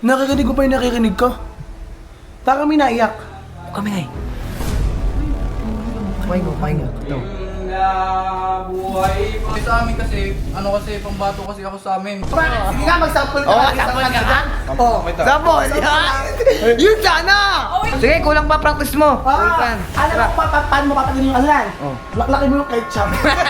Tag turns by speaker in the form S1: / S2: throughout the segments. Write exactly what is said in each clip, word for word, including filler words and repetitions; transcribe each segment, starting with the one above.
S1: Nakikinig ko pa yung nakikinig ko. Baka kami naiyak.
S2: Kami nga eh. Kumain mo, kumain mo. Ito.
S3: Buhay pa sa amin kasi, ano kasi, pambato kasi ako sa amin.
S1: Sige nga, mag-sample ka.
S2: Oo,
S1: lang,
S2: sample
S1: isang
S2: ka
S1: kanta. Oo.
S2: Sample! Yun sana! Sige, kulang pa practice mo.
S1: Ah,
S2: Ulpan.
S1: alam mo pa, pa, paano mo papagaling yung ano yan?
S2: Oh.
S1: Laklaki mo yung ketchup.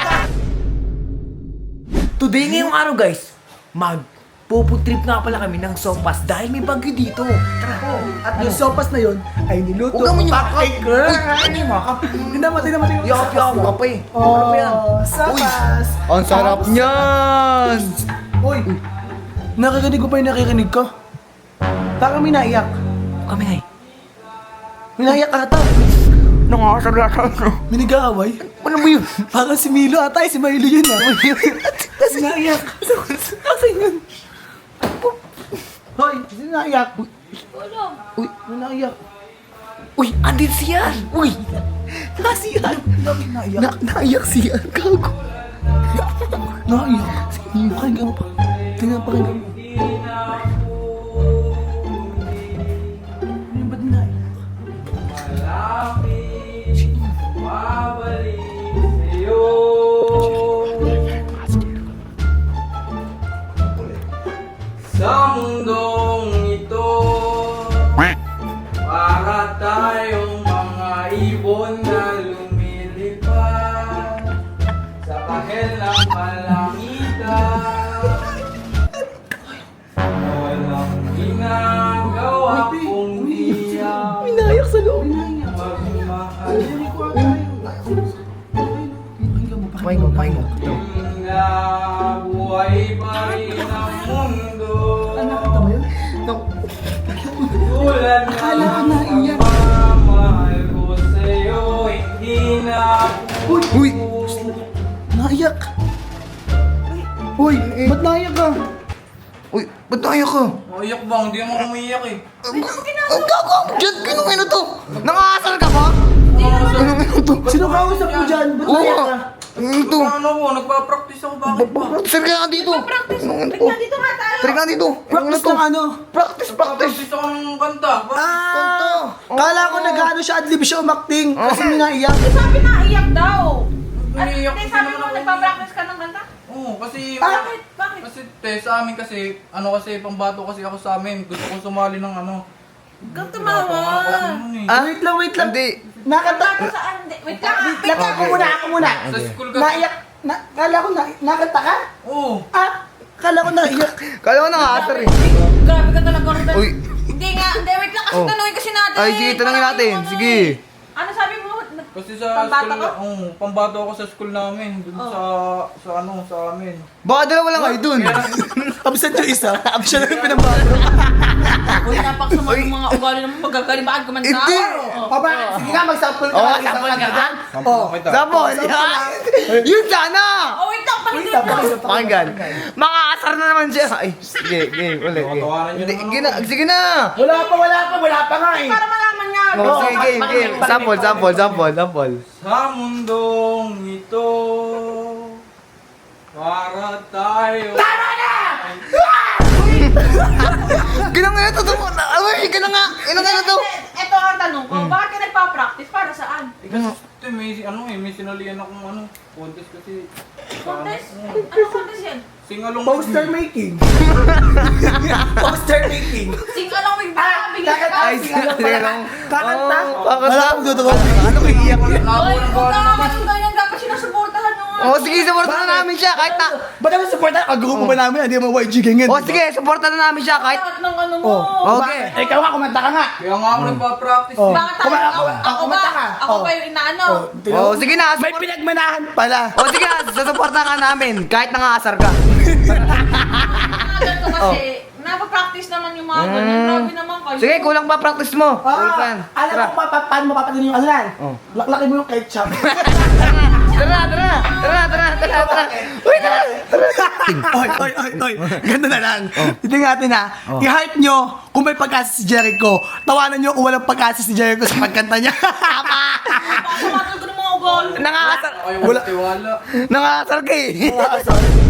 S2: Today ngayong araw guys, mag puputrip nga pala kami ng sopas dahil may bagyo dito. Tara.
S1: At yung sopas na yun ay niluto.
S2: Huwag naman yung
S1: Pancake
S2: makap.
S1: girl.
S2: Uy, ano yung makap?
S1: Tingnan mo, tingnan mo, tingnan mo.
S2: Yakap-yakap ka pa eh.
S1: Oh,
S2: Ano ba yan?
S1: sopas.
S2: Ang sarap
S1: Tapos-
S2: niyan!
S1: Uy, nakikinig ko pa yung nakikinig ko. Baka kami naiyak.
S2: Kami nga eh.
S1: May naiyak ata.
S2: Nakakasar lahat no?
S1: May nag-aaway.
S2: Ano mo yun?
S1: Parang si Milo ata, eh, si Milo yun ah. Kasi naiyak. Kasi yun. Hoy, sino naiyak?
S2: Uy,
S1: May naiyak.
S2: uy, andin siyan! Uy! Nasiyan!
S1: Bakit naiyak?
S2: Na naiyak siyan, gago.
S1: Naiyak. Pakinggan mo pa. Tingnan, pakinggan mo. Ano yung ba't naiyak?
S3: Babalik sa'yo. Sa mundong ito, para tayong mga ibon na lumilipad sa kahel ng kalangitan. Walang ginagawa kundi ang
S1: May naiyak sa loob.
S3: magmahal.
S2: Kumain mo, kumain mo. Ito.
S3: Na buhay pa rin ang mundo.
S1: Nakita mo yun?
S3: Tulad
S1: Akala ko
S3: ng
S1: naiyak.
S3: pagmamahal ko sa'yo, hindi na
S1: Uy!
S2: Uy!
S1: Naiyak! Uy! Ba't naiyak ka?
S2: Uy, ba't naiyak ka?
S3: Maiyak ba? Hindi naman umiiyak eh.
S2: Ang gago! Diyan, kinong ino to? Nangasal ka ba? Kinong ino to?
S1: Sino kausap mo dyan? Ba't
S2: Oo
S1: naiyak
S2: nga!
S1: ka?
S2: Ano ito?
S3: Ano ko? Nagpa-practice ako. Bakit ba?
S2: Sir ka nga dito! Kinong ino to?
S4: Dito nga tayo.
S2: Try nga dito! Kinong ino
S1: Practice
S2: to?
S1: ng ano?
S2: Practice, practice!
S3: Practice ako ng kanta. Bakit?
S2: Kanto.
S1: Ah! Kala ko nag-ano siya, adlib siya umakting. Kasi may naiyak.
S4: Sabi na iyak daw. At
S3: Umiiyak
S4: hindi,
S3: kasi
S4: sabi
S3: naman
S4: mo
S3: ako.
S4: nagpa-practice ka ng kanta?
S3: Oo, kasi...
S4: Bakit? Bakit?
S3: Kasi te, sa amin kasi, ano kasi, pambato kasi ako sa amin. Gusto kong sumali ng ano.
S4: Kang tumawa.
S2: Ah?
S1: Wait lang, wait lang.
S2: Hindi.
S1: Nakanta.
S4: Kanta saan? Hindi, wait lang.
S1: Wait lang, ako muna, ako muna.
S3: Sa school kasi.
S1: Naiyak. Na, kala ko na, nakanta ka?
S3: Oo.
S1: Ah! Kala ko naiyak.
S2: Kala ko nangasar eh.
S4: Grabe ka talaga rin.
S2: Uy.
S4: Hindi nga, hindi, wait lang kasi
S2: Oh.
S4: tanungin kasi natin.
S2: Ay, sige, tanungin
S4: Parang
S2: natin.
S4: ano
S2: Sige.
S4: eh. Ano sabi mo?
S3: Kasi sa
S4: Pambato
S3: school,
S4: ka?
S3: oo, pambato ako sa school namin. Dun
S4: Oh.
S3: sa, sa ano, sa amin.
S2: Baka dalawa lang kayo dun.
S1: Absent yung isa. Absent yung pinambato.
S4: Uy, napaksama ng mga ugali naman magagaling. Bakit kumanta?
S2: Hindi.
S1: Papa, sige nga, mag-sample ka.
S2: Oo,
S1: lang, isang
S2: sample ka
S1: kanta
S2: nga.
S1: dyan. Oo.
S2: Sample! Yun sana!
S4: Oh, wait lang.
S1: Wait
S4: Paligid
S1: lang,
S4: mo.
S1: pakinggan,
S2: Pakinggan.
S1: pakinggan.
S2: Makakasar na naman siya. Ay, sige, game, ulit. game.
S3: Tawanan niyo
S2: Hindi,
S3: naman
S2: sige na, sige na.
S1: Wala pa, wala pa, wala pa nga eh.
S4: Para malaman niya.
S2: Oh, sige, game, game. Sample, sample, sample, sample.
S3: Sa mundong ito, para tayo... Tama na!
S2: Ginang nga ito, ito. Uy, ginang nga. Ginang nga ito.
S4: Ito ang tanong ko. Bakit ka nagpa-practice? Para saan?
S3: Eh, kasi ito, may, ano eh, may sinalihan akong ano, contest kasi. sa ano,
S4: Contest?
S3: oo.
S4: Ano contest yan?
S3: Singalong.
S1: Poster making. Poster making.
S4: Sing along with the bigay
S1: Kakanta.
S4: ka.
S2: Ay,
S1: Sige lang
S2: sige
S1: pala.
S2: lang.
S1: Kakanta.
S2: Oo, kakanta.
S1: Wala akong duduwa. Ano kay iyak yan?
S4: Oy, huwag ka naman yung ganyan. Dapat sinusuportahan mo nga.
S2: Oh, sige, supportan na namin siya kahit na...
S1: Ba't naman support tayo? Kagrupo ba namin? Hindi mo Y G ganyan.
S2: Oh, sige, supportan na namin siya kahit...
S4: Lahat ng ano mo.
S1: Oh,
S2: Okay.
S1: bakit? Ikaw nga, kumanta ka nga.
S3: Kaya nga ako nagpa-practice
S1: Oh.
S3: eh.
S4: Bakit tayo?
S1: Kuma-
S4: Ako,
S1: kuma-
S4: ako ba?
S1: kumanta ka.
S4: Ako
S1: Oh.
S4: ba yung inaano?
S2: Oh, sige na.
S1: May
S2: support-
S1: pinagmanahan pala.
S2: Oh, sige na, susuportan ka namin kahit nangasar ka.
S4: Mga ganito kasi, napapractice naman yung mga ganyan. Grabe naman kayo.
S2: Sige, kulang pa practice mo. Ulpan.
S1: Ah, alam
S2: Tara.
S1: mo pa, pa, paano mo papagaling yung ano yan?
S2: Oh.
S1: Laklaki mo yung ketchup.
S2: Tara, tara, tara, tara, tara, tara. Uy, tara.
S1: oy, oy, oy, oy. Ganda na lang. Ito natin ha. I-hype nyo kung may pag-asa si Jericho. Tawanan nyo kung walang pag-asa si Jericho sa pagkanta niya.
S4: Pakamatal ko ng mga ugali.
S2: Nangasar.
S3: Ay,
S1: Wala.
S3: wala tiwala.
S2: Nangasar ka eh.
S1: Ah, sorry.